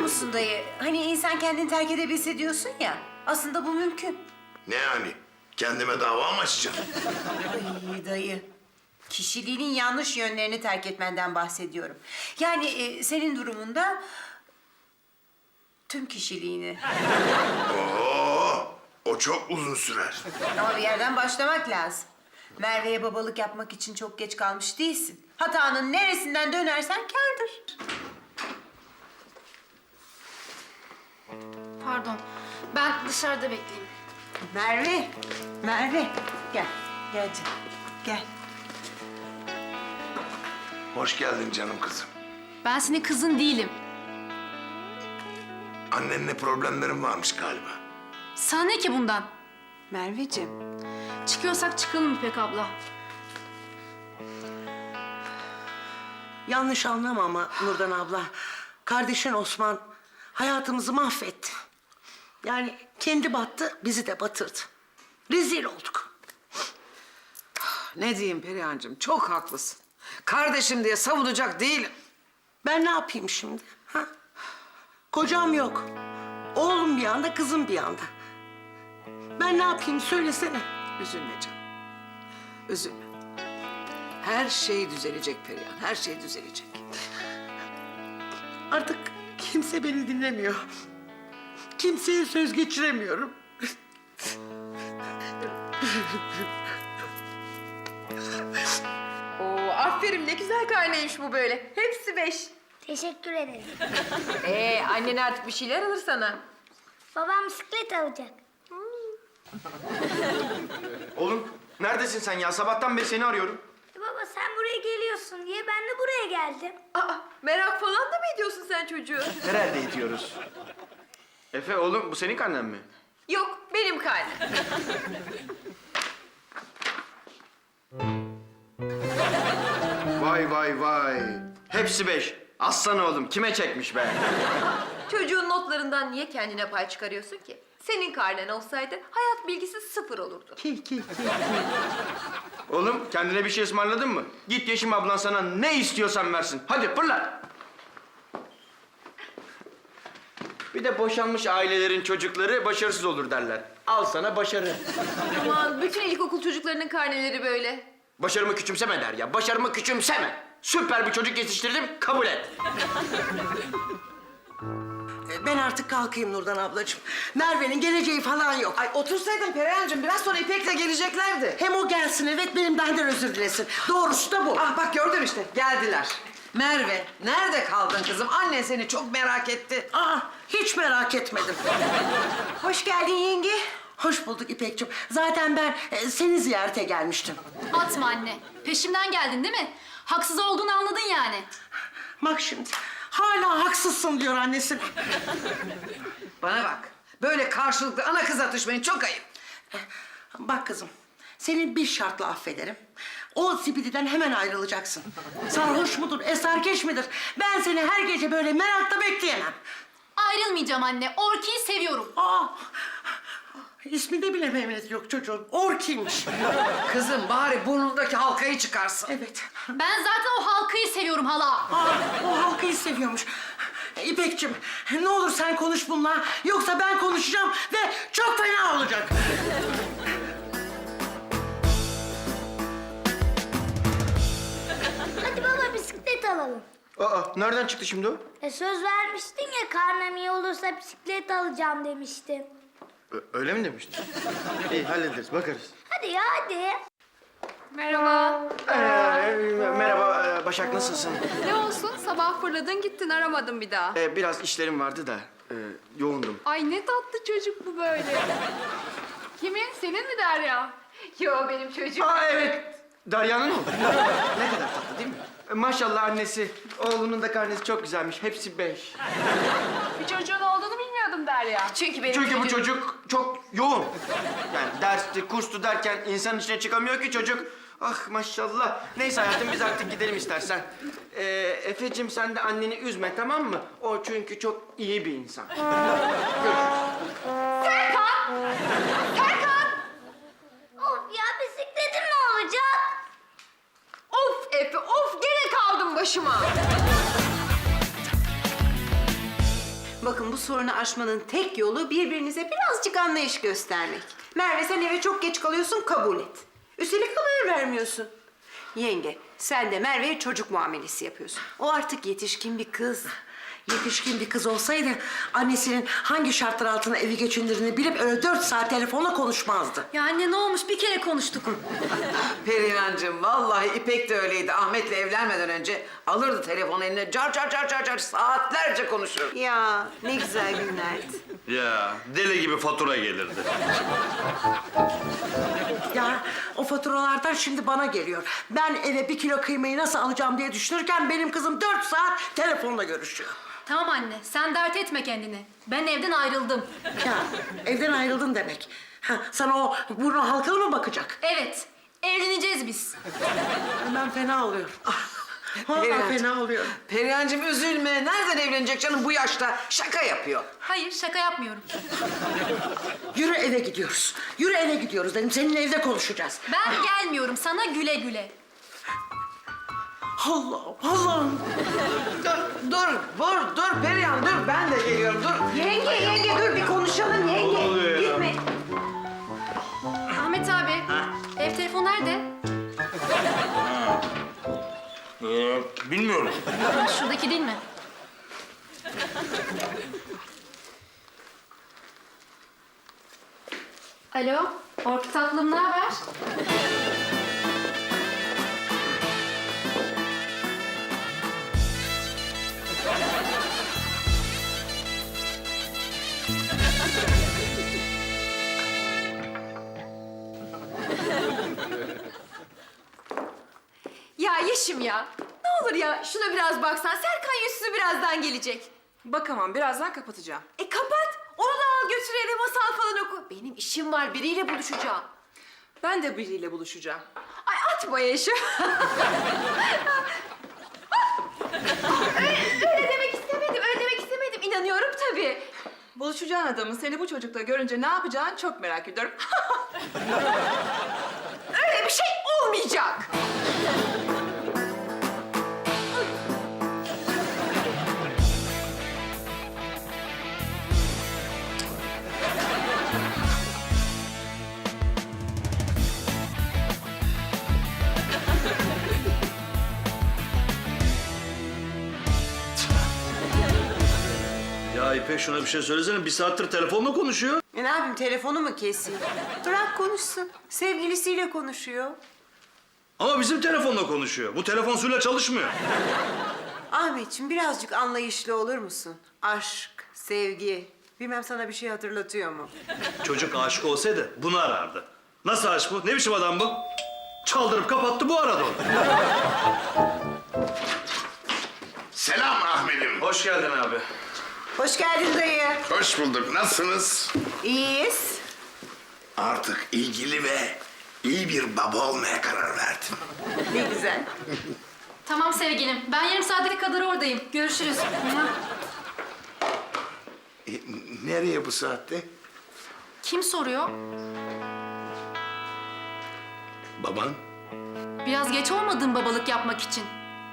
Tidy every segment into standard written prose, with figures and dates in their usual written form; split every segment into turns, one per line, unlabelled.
musun dayı? Hani insan kendini terk edebilse diyorsun ya. Aslında bu mümkün.
Ne yani? Kendime dava mı açacağım?
Ay dayı. Kişiliğinin yanlış yönlerini terk etmenden bahsediyorum. Yani senin durumunda tüm kişiliğini.
Oo, o çok uzun sürer.
Ama bir yerden başlamak lazım. Merve'ye babalık yapmak için çok geç kalmış değilsin. Hatanın neresinden dönersen kârdır.
Pardon. Ben dışarıda bekleyeyim.
Merve. Gel canım, gel.
Hoş geldin canım kızım.
Ben senin kızın değilim.
Annenle problemlerin varmış galiba.
Sana ne ki bundan?
Merveciğim.
Çıkıyorsak çıkalım İpek abla.
Yanlış anlama ama Nurdan abla. Kardeşin Osman hayatımızı mahvetti. Yani kendi battı, bizi de batırdı. Rezil olduk.
Ne diyeyim Perihan'cığım, çok haklısın. Kardeşim diye savunacak değilim.
Ben ne yapayım şimdi? Ha? Kocam yok. Oğlum bir yanda, kızım bir yanda. Ben ne yapayım söylesene.
Üzülme canım, üzülme. Her şey düzelecek Perihan, her şey düzelecek.
Artık kimse beni dinlemiyor. Kimseye söz geçiremiyorum.
Oo, aferin ne güzel karneymiş bu böyle. Hepsi 5.
Teşekkür ederim.
Annen artık bir şeyler alır sana.
Babam bisiklet alacak.
Oğlum neredesin sen ya? Sabahtan beri seni arıyorum.
Baba sen buraya geliyorsun diye ben de buraya geldim.
Aa, merak falan da mı ediyorsun sen çocuğu?
Nerede itiyoruz? Efe oğlum bu senin karnen mi?
Yok, benim karnem.
Vay vay vay. Hepsi 5. Aslan oğlum kime çekmiş be?
Çocuğun notlarından niye kendine pay çıkarıyorsun ki? Senin karnen olsaydı hayat bilgisi 0 olurdu.
Oğlum kendine bir şey ısmarladın mı? Git Yeşim ablan sana ne istiyorsan versin. Hadi fırla. Bir de boşanmış ailelerin çocukları başarısız olur derler. Al sana başarı.
Aman bütün ilkokul çocuklarının karneleri böyle.
Başarımı küçümseme der ya. Başarımı küçümseme. Süper bir çocuk yetiştirdim, kabul et.
Ben artık kalkayım Nurdan ablacığım. Merve'nin geleceği falan yok.
Ay otursaydın Perihan'cığım, biraz sonra İpek'le geleceklerdi.
Hem o gelsin evet, benim benden özür dilesin. Doğrusu da bu.
Ah bak gördün işte, geldiler. Merve, nerede kaldın kızım? Annen seni çok merak etti.
Aa, hiç merak etmedim.
Hoş geldin yenge.
Hoş bulduk İpekciğim. Zaten ben seni ziyarete gelmiştim.
Atma anne. Peşimden geldin değil mi? Haksız olduğunu anladın yani.
Bak şimdi, hala haksızsın diyor annesine.
Bana bak, böyle karşılıklı ana kız atışmayın, çok ayıp.
Bak kızım, seni bir şartla affederim. O zibididen hemen ayrılacaksın. Sarhoş mudur, esargeç midir? Ben seni her gece böyle merakla bekleyemem.
Ayrılmayacağım anne. Orki'yi seviyorum.
Aa, isminde bile Mehmet yok çocuğun. Orkiymiş.
Kızım bari burnundaki halkayı çıkarsın.
Evet.
Ben zaten o halkayı seviyorum hala.
Aa, o halkayı seviyormuş. İpekciğim, ne olur sen konuş bununla. Yoksa ben konuşacağım ve çok fena olacak.
Hadi baba bisiklet alalım.
Aa, nereden çıktı şimdi o?
Söz vermiştin ya karnem iyi olursa bisiklet alacağım demiştin.
Öyle mi demiştin? İyi hallederiz, bakarız.
Hadi ya hadi.
Merhaba.
Merhaba Başak, nasılsın?
Ne olsun sabah fırladın gittin aramadın bir daha.
Biraz işlerim vardı da yoğundum.
Ay ne tatlı çocuk bu böyle. Kimin? Senin mi Derya? Yo benim çocuğum.
Aa evet, Derya'nın oğlu. Ne kadar tatlı değil mi? Maşallah annesi, oğlunun da karnesi çok güzelmiş. Hepsi 5.
Bir çocuğun olduğunu bilmiyordum Derya. Çünkü benim
Çünkü bu çocuk çok yoğun. Yani dersti, kurstu derken insan içine çıkamıyor ki çocuk. Ah maşallah. Neyse hayatım biz artık gidelim istersen. Efeciğim sen de anneni üzme tamam mı? O çünkü çok iyi bir insan.
Of ya bisikletim ne olacak?
Of Efe of gene kaldım başıma.
Bakın bu sorunu aşmanın tek yolu birbirinize birazcık anlayış göstermek. Merve sen eve çok geç kalıyorsun kabul et. Üstelik haber vermiyorsun. Yenge sen de Merve'ye çocuk muamelesi yapıyorsun. O artık yetişkin bir kız.
Yetişkin bir kız olsaydı annesinin hangi şartlar altında evi geçindirdiğini bilip öyle 4 saat telefonla konuşmazdı.
Ya anne ne olmuş? Bir kere konuştuk.
Perihancığım vallahi İpek de öyleydi. Ahmet'le evlenmeden önce alırdı telefonu eline car car car car car saatlerce konuşurdu.
Ya ne güzel günlerdi.
Ya deli gibi fatura gelirdi.
Ya o faturalardan şimdi bana geliyor. Ben eve 1 kilo kıymayı nasıl alacağım diye düşünürken benim kızım 4 saat telefonla görüşüyor.
Tamam anne, sen dert etme kendini. Ben evden ayrıldım.
Ya evden ayrıldın demek. Ha, sana o burnu halkalı mı bakacak?
Evet, evleneceğiz biz.
Ben fena oluyorum. Vallahi
Perihancığım.
fena oluyorum.
Perihancığım üzülme. Nereden evlenecek canım bu yaşta? Şaka yapıyor.
Hayır, şaka yapmıyorum.
Yürü eve gidiyoruz. Yürü eve gidiyoruz dedim. Seninle evde konuşacağız.
Ben gelmiyorum sana güle güle.
Allah'ım, Allah'ım.
Dur Perihan dur. Ben de geliyorum dur.
Yenge dur bir konuşalım yenge. Gitme.
Ahmet abi, ev telefonu nerede?
Bilmiyorum.
Şuradaki değil mi? Alo, Orki tatlım ne haber?
Ya Yeşim ya. Ne olur ya şuna biraz baksan. Serkan yüzsüzü birazdan gelecek.
Bakamam, birazdan kapatacağım.
Kapat. Onu da al götür eve masal falan oku. Benim işim var biriyle buluşacağım.
Ben de biriyle buluşacağım.
Ay atma Yeşim. öyle demek istemedim. Öyle demek istemedim. İnanıyorum tabii.
Buluşacağın adamın seni bu çocukla görünce ne yapacağını çok merak ediyorum.
Öyle bir şey olmayacak.
Ya İpek şuna bir şey söylesene. Bir saattir telefonla konuşuyor.
Ne yapayım telefonu mu keseyim? Bırak konuşsun. Sevgilisiyle konuşuyor.
Ama bizim telefonla konuşuyor. Bu telefon suyla çalışmıyor.
Ahmetciğim birazcık anlayışlı olur musun? Aşk, sevgi. Bilmem sana bir şey hatırlatıyor mu?
Çocuk aşık olsaydı bunu arardı. Nasıl aşk bu? Ne biçim adam bu? Çaldırıp kapattı bu aradı onu.
Selam Ahmet'im.
Hoş geldin abi.
Hoş geldin dayı.
Hoş bulduk. Nasılsınız?
İyiyiz.
Artık ilgili ve iyi bir baba olmaya karar verdim.
Ne güzel.
Tamam sevgilim, ben yarım saate kadar oradayım. Görüşürüz.
Nereye bu saatte?
Kim soruyor?
Baban?
Biraz geç olmadın babalık yapmak için.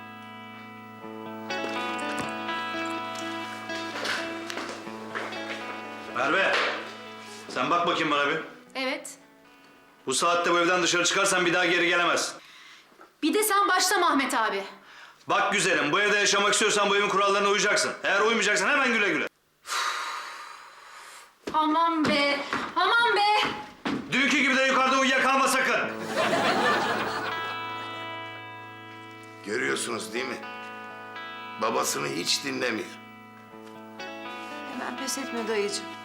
Merve. Sen bak bakayım bana bir.
Evet.
Bu saatte bu evden dışarı çıkarsan bir daha geri gelemezsin.
Bir de sen başlama Ahmet abi.
Bak güzelim, bu evde yaşamak istiyorsan bu evin kurallarına uyacaksın. Eğer uymayacaksan hemen güle güle.
Aman be, aman be.
Dünkü gibi de yukarıda uyuyakalma sakın.
Görüyorsunuz değil mi? Babasını hiç dinlemiyor.
Hemen pes etme dayıcığım.